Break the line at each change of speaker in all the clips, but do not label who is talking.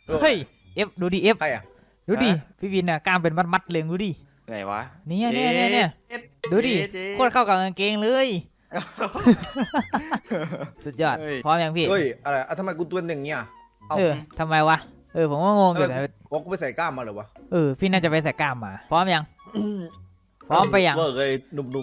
เฮ้ยเอฟดูดิเอฟ
ใครอ่ะ
ดูดิพี่วินน่ะกล้ามเป็นมัดๆเลยดูดิ
ไหนวะ
เนี่ยดูดิโคตรเข้ากับกางเกงเลยสุดยอดพร้อมยังพี่
เฮ้ยอะไรทำไมกูตัวหนึ่งเนี่ย
ทำไมวะผมก็งงอยู่นะ
บอกกูไปใส่กล้ามมาเหรอวะ
พี่น่าจะไปใส่กล้ามมาพร้อมยังพร้อมไปยัง
เวอร์เลยหนุ่ม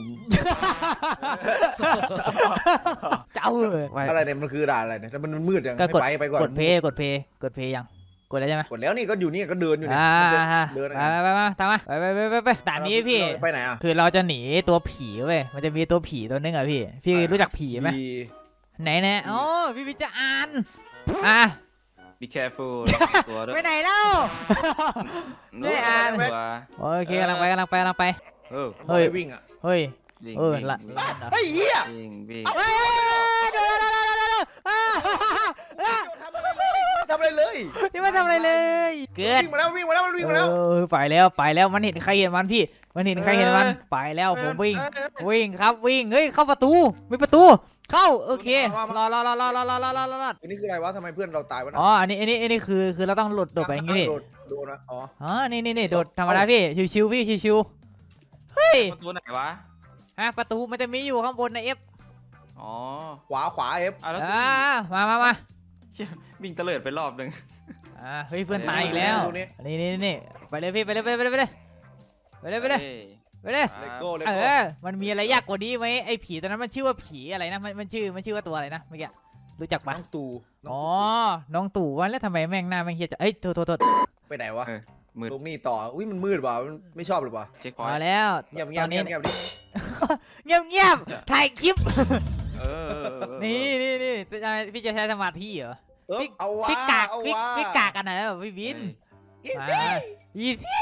เจ้า
อะไรเนี่ยมันคือด่าอะไรเนี่ยแต่มันมืดยังไปก่อน
กดเพย์ยังกดแล้วใช่ไหม
กดแล้วนี่ก็อยู่นี่ก็เดินอยู่เนี่ยเดิน
ไปมาตามมาไปด่านนี้พี่
ไปไหนอ่ะ
คือเราจะหนีตัวผีเว้ยมันจะมีตัวผีตัวนึงอ่ะพี่รู้จักผีไหมไหนอ๋อพี่จะอ่าน
be careful ตัวด้วย
ไปไหนเล่าไม่อ่านโอเคกำลังไป
เฮ้ยวิ่งอ่ะ
เฮ้ย
ละเฮ้ยเหี้ย
วิ่ง
ทำอะไรเลย
ที่ไม่ทำอะไรเลยเกิด
วิ่งมาแล้ว
ไปแล้วมันเห็นใครเห็นมันพี่มันเห็นใครเห็นมันไปแล้วผมวิ่งครับวิ่งเฮ้ยเข้าประตูมีประตูเข้าโอเครอ
อันนี้คืออะไรวะทำไมเพื่อนเราตายวะ
อ๋ออันนี้คือเราต้องโดดไปอย่างงี้
โดนนะ
อ๋อนี่โดดธรรมดาพี่ชิวๆพี่ชิวๆเฮ้ย
ประตูไหนวะ
ประตูมันจะมีอยู่ข้างบนนะเอฟ
อ๋อ
ขวาเอฟ
มา
วิ่งเตลิดไปรอบนึง
เฮ้ยเพื่อนตายอีกแล้วนี่ไปเลยพี่ไปเลยมันมีอะไรยากกว่านี้ไหมไอ้ผีตอนนั้นมันชื่อว่าผีอะไรนะมันชื่อว่าตัวอะไรนะเมื่อกี้รู้จักปะ
น้องตู่
น้องตู่ว่าแล้วทำไมแม่งหน้าแม่งเฮียจะโทษ
ไปไหนวะตรงนี้ต่ออุ้ยมันมืดว่ะไม่ชอบหรือเปล่า
มาแล้ว
เงียบ
ถ่ายคลิปนี่พี่จะใช้สมาธิเหรอพี่กากกันนะพี่วินอีซี่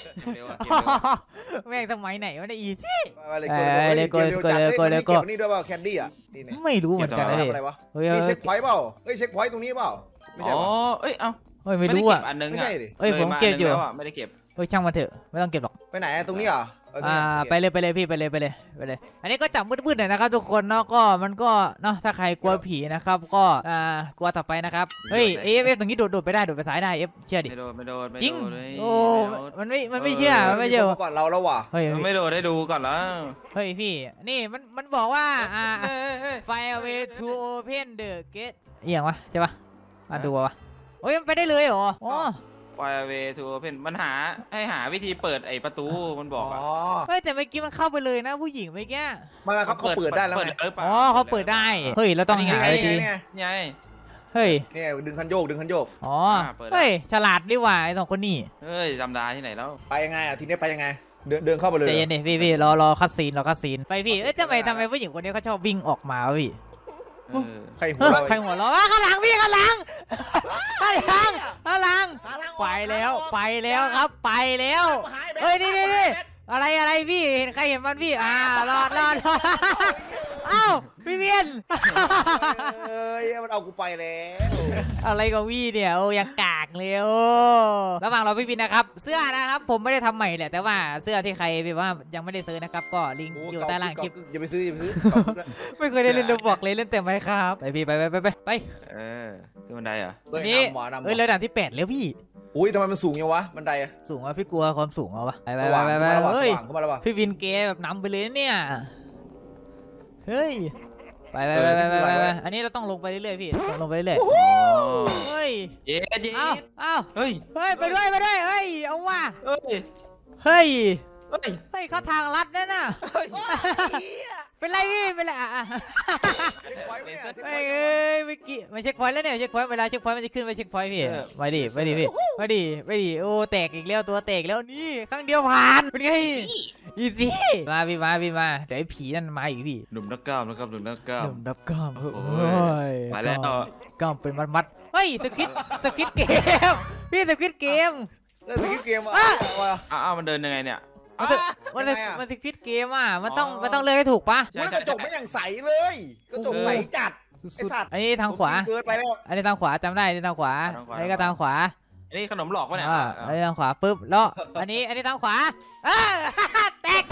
แม่งสมัยไหนวะเนี่ยอีซี่
เลยโกนี่ด้วยเปล่าแคนดี้อ่ะ
ไม่รู้เหมือนกัน
อะไรวะนี่เช็คพอยต์เปล่าเช็คพอยต์ตรงนี้เปล่าไม่ใช่
ไม่รู้อ่ะ
อันนึงไม่ใช่
ดิผมเก็บอยู่
ไม่ได้เก็บ
ช่างมันเถอะไม่ต้องเก็บหรอก
ไปไหนตรงนี้อ่ะ
ไปเลยพี่ไปเลยอันนี้ก็จับมืดๆหน่อยนะครับทุกคนเนาะก็มันก็เนาะถ้าใครกลัวผีนะครับก็กลัวต่อไปนะครับเฮ้ยเอฟตรงนี้โดดไปได้โดดไปซ้ายได้เอฟเชื่อดิ
ไม่โดด
จริงโอ้มันไม่เชื่อไม่เชื่อ
ก่อนเราแล้วว่ะ
เฮ้ยไม่โดดได้ดูก่อนแล้ว
เฮ้ยพี่นี่มันบอกว่าFire away to open the gate เอียงวะใช่ปะดูวะโอ้ยมันไปได้เลยเหรอ
Fire away to open มันให้หาวิธีเปิดไอประตูมันบอกอ่ะ
เฮ้ยแต่เมื่อกี้มันเข้าไปเลยนะผู้หญิงเมื่อกี้
เขาเปิดได้แล้วไง
เขาเปิดได้เฮ้ยเราต้องหาวิธี
ไง
เฮ้ย
เนี่ยดึงคันโยก
อ๋อเฮ้ยฉลาดดีว่าไอ้สองคนนี้
เฮ้ยจำได้ที่ไหนแล้ว
ไปยังไงอ่ะทีนี้ไปยังไงเดินเข้าไปเลย
ใจเย็นดิพี่รอคัดซีนไปพี่เอ้ยทำไมผู้หญิงคนนี้เขาชอบวิ่งออกมาพี่
ใครหัว
เราข้างหลังพี่ข้างหลังไปแล้วครับไปแล้วเฮ้ยนี่อะไรพี่เห็นใครเห็นมันพี่รอดเอ้าพี่เวียน
มันเอากูไปแล้ว
อะไรกับพี่เนี่ยโอ้ยังกากเลยโอ้ระหว่างเราพี่วินนะครับเสื้อนะครับผมไม่ได้ทำใหม่แหละแต่ว่าเสื้อที่ใครแบบว่ายังไม่ได้ซื้อนะครับก็ลิงก์อยู่ใต้ล่างคลิป
อย่าไปซื้อ
ไม่เคยได้เล่นรูบอกเลยเล่นแต่ไม่ครับไปพี่ไป
ขึ้นบันไดเหรอ
นี่เลยด่านที่8แล้วพี่
อุ้ยทำไมมันสูงยังวะบันได
สูงวะพี่กลัวความสูงวะไปเฮ้ยพี่วินเกแบบนำไปเลยเนี่ยเฮ้ยไปอันนี้เราต้องลงไปเรื่อยๆพี่ลงไปเรื่อยเฮ้ยเอ้าเฮ้ยไปด้วยเฮ้ยเอาว่ะเฮ้ยเข้าทางลัดนั่นน่ะเป็นไรพี่เป็นไรไม่กี่ไม่เช็คพอยต์แล้วเนี่ยเช็คพอยต์เวลาเช็คพอยต์มันจะขึ้นไปเช็คพอยต์พี่ไปดิพี่ไปดิโอ้แตกอีกแล้วตัวแตกแล้วนี่ครั้งเดียวผ่านเป็นไงอีซี่มาพี่มาเดี๋ยวไอ้ผีนั่นมาอีกพี่
หนุ่มนักกล้ามนะครับหนุ่มนักกล้าม
โอ้ย
มาแล้ว
กล้ามเป็นมัดเฮ้ยสกิดเกมพี่สกิดเกม
มันเดินยังไงเนี่ย
มันสกิดเกมมันต้องเลือกให้ถูกปะ
กระจกไม่อย่างใสเลยกระจกใสจัด
อันนี้ทางขวา
เกินไปแล้ว
อันนี้ทางขวาจำได้อันนี้ทางขวาอันนี้ก็ทางขวา
อันนี้ขนมหลอกวะเนี่ย
อันนี้ทางขวาปุ๊บแล้วอันนี้ทางขวาแตก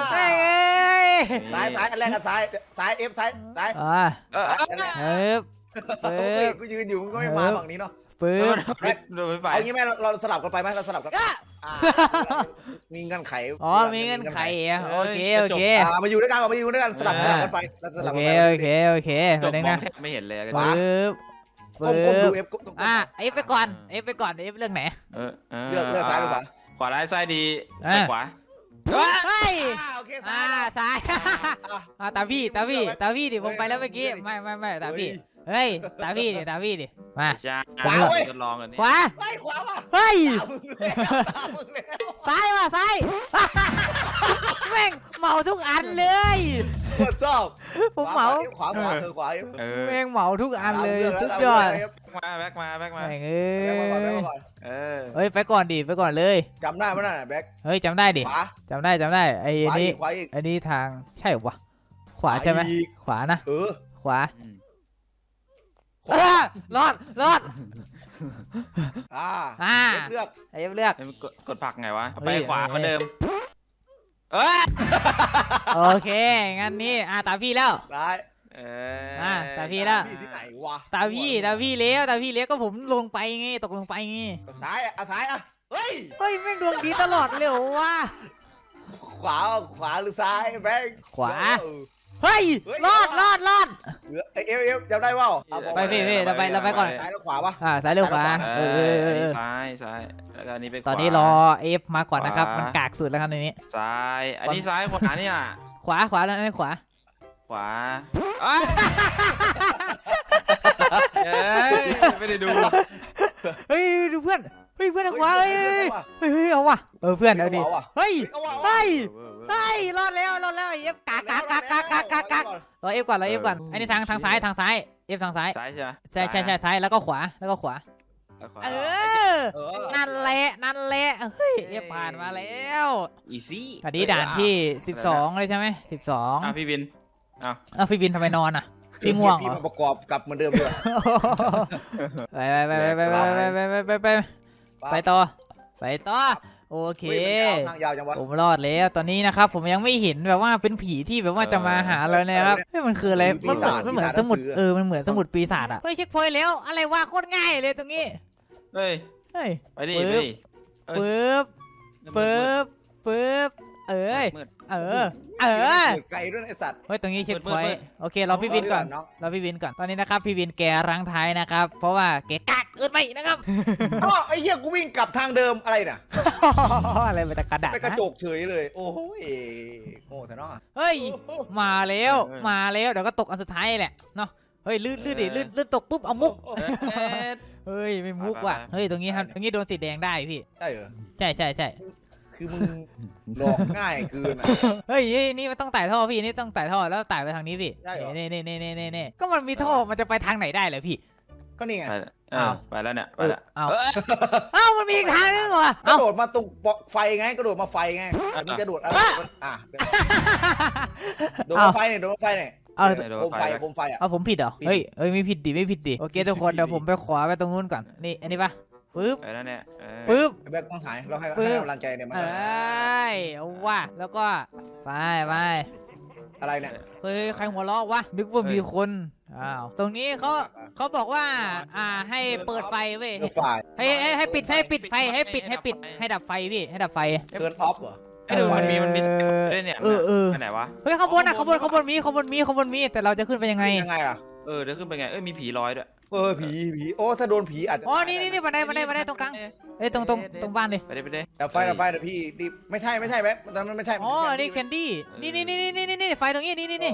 ซ้ายอันแรกกับซ้ายเอฟซ้าย
ปึ๊บ
กูยืนอยู่มึงก็ไม่มาฝั่งนี้เนาะ
ปึ๊บ
โดนไป
เอางี้แม่เราสลับกันไปไหมเราสลับกันมีเงื่อนไข
อ๋อมีเงื่อนไขอ่ะโอเคโอเค
มาอยู่ด้วยกันมาอยู่ด้วยกันสลับกันไปเราสลับ
โอ
กัน
เค
ไป
โอเคโอเค
จ
ไป
บ
เลย
มอง
นะ
แทบไม่เห็นเลย
ปึ๊บ
ก้ม
ปึ๊
ดู
บ
เอฟ
เอฟไปก่อนเอฟไปก่อนเอฟเรื่องไหน
เลือกซ้ายหรือเปล่า
ขวาซ้ายดี
อ่ะ
ไปขวา
เฮ้ย
โอเค
ซ้ายตาพี่ดิผมไปแล้วเมื่อกี้ไม่ตาพี่เฮ้ยตาพี่ดิมา
ใช่ทดลองกันนี่
ขวา
ไปขวาว่ะ
เฮ้ย
มึงแล้ว
ซ้ายว่ะซ้ายแม่งเหมาทุกอันเลย
ตรวจสอบ
ผมเหมา
ขวาคือขวา
แม่งเหมาทุกอันเลยสุดยอด
แบ็กมา
แม่ง
แบ็คมาก่อน
เฮ้ยไปก่อนดิไปก่อนเลย
จำได้ไหมน่ะแบ็ค
เฮ้ยจำได้ดิ
ขวา
จำได้ไอ้
ขวา
นี่
อีกขวาอีก
อันนี้ทางใช่เหรอวะขวาใช่ไหมขวานะ ขวา รอด
เลือก
ไอ้เลือก
กดผักไงวะ
เฮ้
ไป
ย
ขวาเหมือนเดิม
โอเคงั้นนี่ตามพี่แล้ว
ซ้าย
ตาพี่แล้ว
พี่ที่ไหนวะ
ตาพี่เลี้ยวก็ผมลงไปไงตกลงไปไง
ก็ซ้ายซ้ายเฮ้ย
เฮ้ยแม่งดวงดีตลอดเลยเหรอวะ
ขวาหรือซ้ายแบ็ค
ขวา เฮ้ยรอด
เอฟจำได้ว่า
ไปพี่เราไปก่อน
ซ้ายแล้วขวาปะ
ซ้ายเร็วขวา
ซ้ายแล้วก็อันนี้ไปขวา
ตอนนี้รอเอฟมาก่อนนะครับมันกากสุดแล้วครับในนี้
ซ้ายอันนี้ซ้ายขวาเนี่ย
ขวาแล้วนั่นขวา
ขวาไม่ได้ดู
เฮ้ยดูเพื่อนขวาเฮ้ยเอาว่ะเพื่อนเอาดิเฮ้ยรอดแล้วเอฟกากรอเอฟก่อนอันนี้ทางซ้ายเอฟทางซ้าย
ซ้ายใช่ไหม
ใช่ซ้ายแล้วก็ขวานั่นแหละเฮ้ยเอฟผ่านมาแล้ว
อีซี่
อันนี้ด่านที่12เลยใช่ไหม12
พี่วิน
พี่บินทำไมนอนอ่ะพี่ง่วง
พี่มาประกอบกับเหมือนเดิมเลย
ไปต่อโอเค
ทางยาวจังวะ
ผมรอดแล้วตอนนี้นะครับผมยังไม่เห็นแบบว่าเป็นผีที่แบบว่าจะมาหาเรานะครับเฮ้ยมันคืออะไรมันเหมือนสมุดมันเหมือนสมุดปีศาจอ่ะเฮ้ยเช็คพอยต์แล้วอะไรวะโคตรง่ายเลยตรงนี้
เฮ้ยไปดิ
ปึ๊บ
ไกลด้วยไอสัตว์
เฮ้ยตรงนี้เช็คพอยต์โอเคเราพี่วินก่อนตอนนี้นะครับพี่วินแกรั้งท้ายนะครับเพราะว่าแกกักไปนะครับ
อ๋อไอ้เหี้ยกูวิ่งกลับทางเดิมอะไรน่ะ
อะไรไปแต่กระดาษ
ไปกระจกเฉยเลยโอ้ยโง่แต่เนาะ
เฮ้ยมาแล้วเดี๋ยวก็ตกอันสุดท้ายแหละเนาะเฮ้ยลื่นตกปุ๊บเอามุกเฮ้ยไม่มุกว่ะเฮ้ยตรงนี้โดนสีแดงได้พี่
ใช่เหรอ
ใช่
คือมึงหลอกง่ายเกิน
เฮ้ยนี่มันต้องไต่ท่อพี่นี่ต้องไต่ท่อแล้วไต่ไปทางนี้พี่นี่ก็มันมีท่อมันจะไปทางไหนได้เลยพี่
ก็นี่ไง
ไปแล้วเนี่ย
มันมีอีกทางนึงเหรอก
ระโดดมาตรงไฟไงกระโดดมาไฟไงมึงจะโดดโดดมาไฟเนี่ยโคมไฟอ่ะ
ผมผิดเหรอเฮ้ยไม่ผิดดิโอเคทุกคนเดี๋ยวผมไปขวาไปตรงนู้นก่อนนี่อันนี้ปะปึ๊บ
ไปแล้วเนี่ย
ปึ๊บ
แบกต้องหายเราให้กำลังใจเนี่ยมัน
เอาว่ะแล้วก็ไป
อะไรเนี่ย
เฮ้ยใครหัวเราะวะนึกว่ามีคนตรงนี้เขาบอกว่าให้เปิดไฟเว้ยให้ปิดไฟให้ดับไฟพี่ให้ดับไฟ
เกินออฟเหรอ
มันมีด้วยเนี่ยไปไหนวะ
เฮ้ยข้างบนมีแต่เราจะขึ้นไปยังไง
ล่ะ
เดี๋ยวขึ้นไปไงมีผีลอยด้วย
ผีโอ้ถ้าโดนผีอาจจะ
นี่บันไดตรงกลางตรงบ้านดิ
ไปดิ
ดับไฟแต่พี่ไม่ใช่แบ๊กตอนนั้นไม่ใช่
นี่แคนดี้นี่ไฟตรงนี้นี่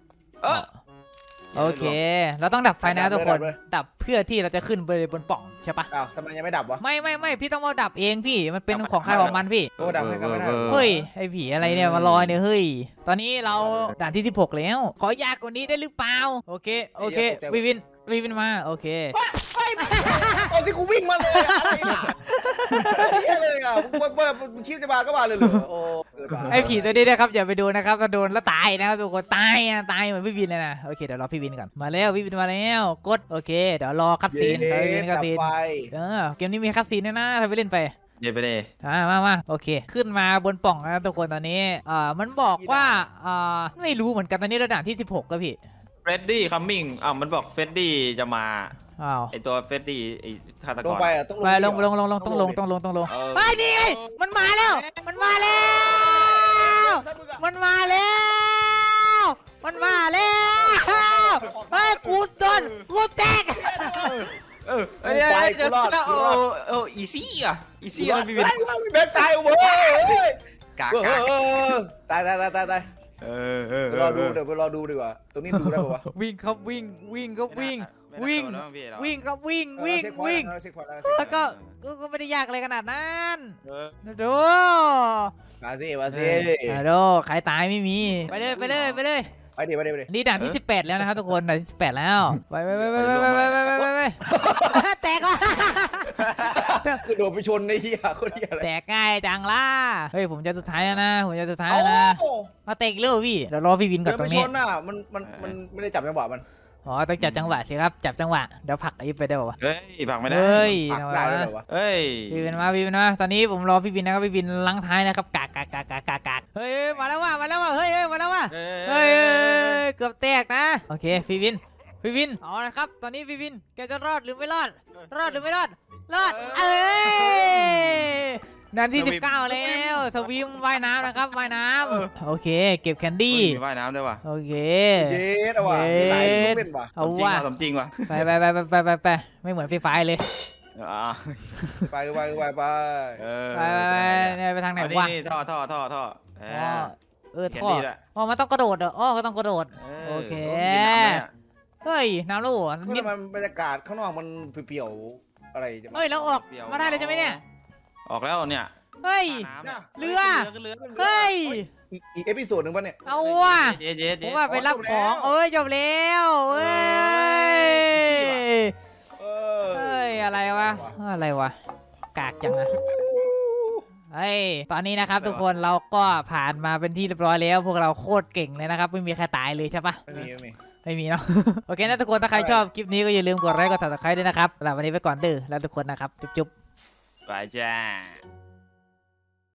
โอเคเราต้องดับไฟนะทุกคนดับเพื่อที่เราจะขึ้นไปบนปล่องใช่ปะ
ทำไมยังไม่ดับวะ
ไม่พี่ต้องมาดับเองพี่มันเป็นของใครของมันพี่
ดับให้กันไม่ได้
เฮ้ยไอ้ผีอะไรเนี่ยมาลอยเนี่ยเฮ้ยตอนนี้เราด่านที่16แล้วขอยากกว่านี้ได้หรือเปล่าโอเควินมาโอเค
ตอนที่กูวิ่งมาเลยอะไรเนี่ยเลยอ่ะมึงคิดจะมาก็มาเลยเหรอโอ้
ไอ้ผีตัวนี้นะครับอย่าไปดูนะครับถ้าโดนแล้วตายนะครับทุกคนตายเหมือนพี่วินเลยนะโอเคเดี๋ยวรอพี่วินก่อนมาแล้วพี่วินมาแล้วกดโอเคเดี๋ยวรอคัดซีนเกมนี้มีคัดซีนนะถ้าไปเล่นไป
ไปเลย
มาโอเคขึ้นมาบนปล่องนะทุกคนตอนนี้มันบอกว่าไม่รู้เหมือนกันตอนนี้ระดับที่16แล้วพี่
เฟรดดี้คัมมิ่งมันบอกเฟรดดี้จะมา
อ้าว
ไอตัวเฟรดดี้ไอฆาตก
ล
รง
ไปอ่ะต้องลง
ไปลงต้องลง
เออ
เฮ้ยนี่ไงมันมาแล้วมันมาแล้ว มันมาแล้วเฮ้ยกูโดนกูแตก
เดี๋ยวอีซี่อีซี่มันมี
แบกตายเว้ย
กาก
ตาย
เออ
ไปรอดูเดี๋ยวไปรอดูดีกว่าตรงนี้ดูได้ป่าวะ
วิ่งครับวิ่งครับวิ่งแล้วก็ไม่ได้ยากอะไรขนาดนั้นดู
มาสิ
ฮัลโหลใครตายไม่มีไปเลย
ไปดิ
นี่ด่านที่ 18แล้วนะครับทุกคนด่านที่18แล้วไปแตกว่ะ
คือโดดไปชนในเหี้ยคนเหี้ยอะไร
แตกง่ายจังล่ะเฮ้ยผมจะสุดท้ายแล้วนะมาเตะเร็วพี่เดี๋ยวรอพี่วินก่อนตรงนี้
ชนน่ะมันไม่ได้จับจังหวะมัน
อ๋อต้องจับจังหวะสิครับจับจังหวะเดี๋ยวผลักไอ้ไปได้ป่าวะ
เฮ้ยผักไม่ได้
เฮ้ย
ปักได้เลยเหรอวะ
เฮ้ย
พี่วินมาตอนนี้ผมรอพี่วินนะครับพี่วินลังท้ายนะครับกากเฮ้ยมาแล้วว่ะเฮ้ยมาแล้วว่ะเฮ้ยเกือบแตกนะโอเคพี่วินเอาละครับตอนนี้พี่วินแกจะรอดหรือไม่รอดรอดเอ้ยนาที19แล้วสวิมว่ายน้ำนะครับว่ายน้ำโอเคเก็บแคนดี้
ว่ายน้ำด้วยว่ะ
โอเค
เย็ดว่ะมีหลายลูกเล่นว่ะ
เอาว่ะ
สมจริงว่ะ
ไปไม่เหมือนฟรีไฟเลย
ไป
เนี่ยไปทางไหนวะ
นี่ท่อท่อ
ท่อ
เขียน
ท่อ
ดีด้วย
อ๋อมันต้องกระโดดเหรออ๋อก็ต้องกระโดดโอเคเฮ้ยน้ำลูก
ก็ทำไมบรรยากาศข้างนอกมันเปรี่ยวๆอะไรจะ
เฮ้ยแล้วออกมาได้เลยใช่ไหมเนี่ย
ออกแล้วเนี่ย
เฮ้ย เรือเฮ้ย
อีกเอพิโซดหนึ่งป่ะเนี่ย
เอาว่ะ
เจ๊
ผมว่าไปรับของเอ้ยจบแล้วเฮ้ยอะไรวะกากจังอะเฮ้ยตอนนี้นะครับทุกคนเราก็ผ่านมาเป็นที่เรียบร้อยแล้วพวกเราโคตรเก่งเลยนะครับไม่มีใครตายเลยใช่ปะไม่มีเนาะ โอเคนะทุกคนถ้าใครชอบคลิปนี้ก็อย่าลืมกดไลค์กด Subscribe ด้วยนะครับสำหรับวันนี้ไปก่อนเด้อแล้วทุกคนนะครับจุ๊บ
ไปจ้า